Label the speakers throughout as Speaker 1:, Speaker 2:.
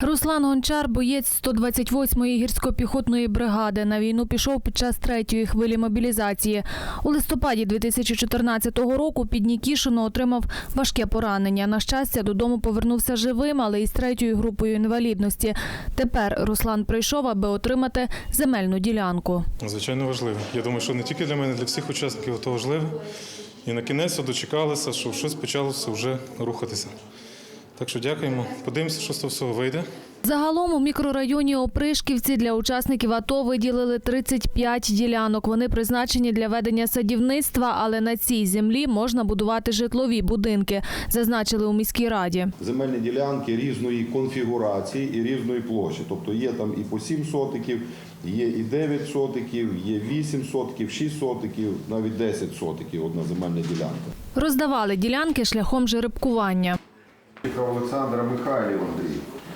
Speaker 1: Руслан Гончар – боєць 128-ї гірсько-піхотної бригади. На війну пішов під час 3-ї хвилі мобілізації. У листопаді 2014 року під Нікішино отримав важке поранення. На щастя, додому повернувся живим, але із 3-ю групою інвалідності. Тепер Руслан прийшов, аби отримати земельну ділянку.
Speaker 2: Звичайно, важливо. Я думаю, що не тільки для мене, для всіх учасників це важливо. І на кінець дочекалися, що щось почалося вже рухатися. Так що дякуємо. Подивимося, що з того всього вийде.
Speaker 1: Загалом у мікрорайоні Опришківці для учасників АТО виділили 35 ділянок. Вони призначені для ведення садівництва, але на цій землі можна будувати житлові будинки, зазначили у міській раді.
Speaker 3: Земельні ділянки різної конфігурації і різної площі. Тобто є там і по 7 сотиків, є і 9 сотиків, є 8 сотиків, 6 сотиків, навіть 10 сотиків одна земельна ділянка.
Speaker 1: Роздавали ділянки шляхом жеребкування.
Speaker 3: Олександра Михайлів Андрій.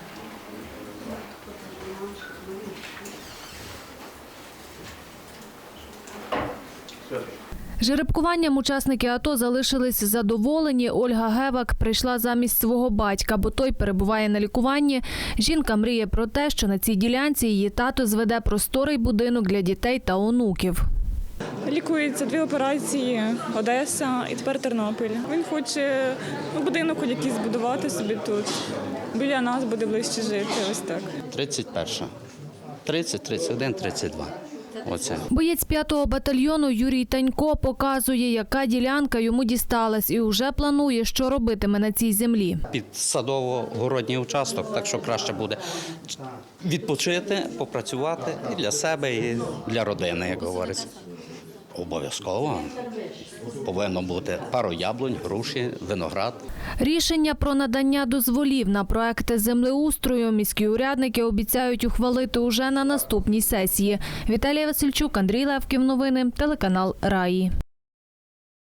Speaker 1: Жеребкуванням учасники АТО залишились задоволені. Ольга Гевак прийшла замість свого батька, бо той перебуває на лікуванні. Жінка мріє про те, що на цій ділянці її тато зведе просторий будинок для дітей та онуків.
Speaker 4: Лікується 2 операції, Одеса і тепер Тернопіль. Він хоче будинок якийсь збудувати собі тут. Біля нас буде ближче жити, ось так.
Speaker 5: 31, 30, 31, 32. Оце.
Speaker 1: Боєць 5-го батальйону Юрій Танько показує, яка ділянка йому дісталась і вже планує, що робитиме на цій землі.
Speaker 5: Під садово-городній участок, так що краще буде відпочити, попрацювати і для себе, і для родини, як говориться. Обов'язково повинно бути пару яблунь, груші, виноград.
Speaker 1: Рішення про надання дозволів на проекти землеустрою міські урядники обіцяють ухвалити уже на наступній сесії. Віталія Васильчук, Андрій Левків. Новини. Телеканал Раї.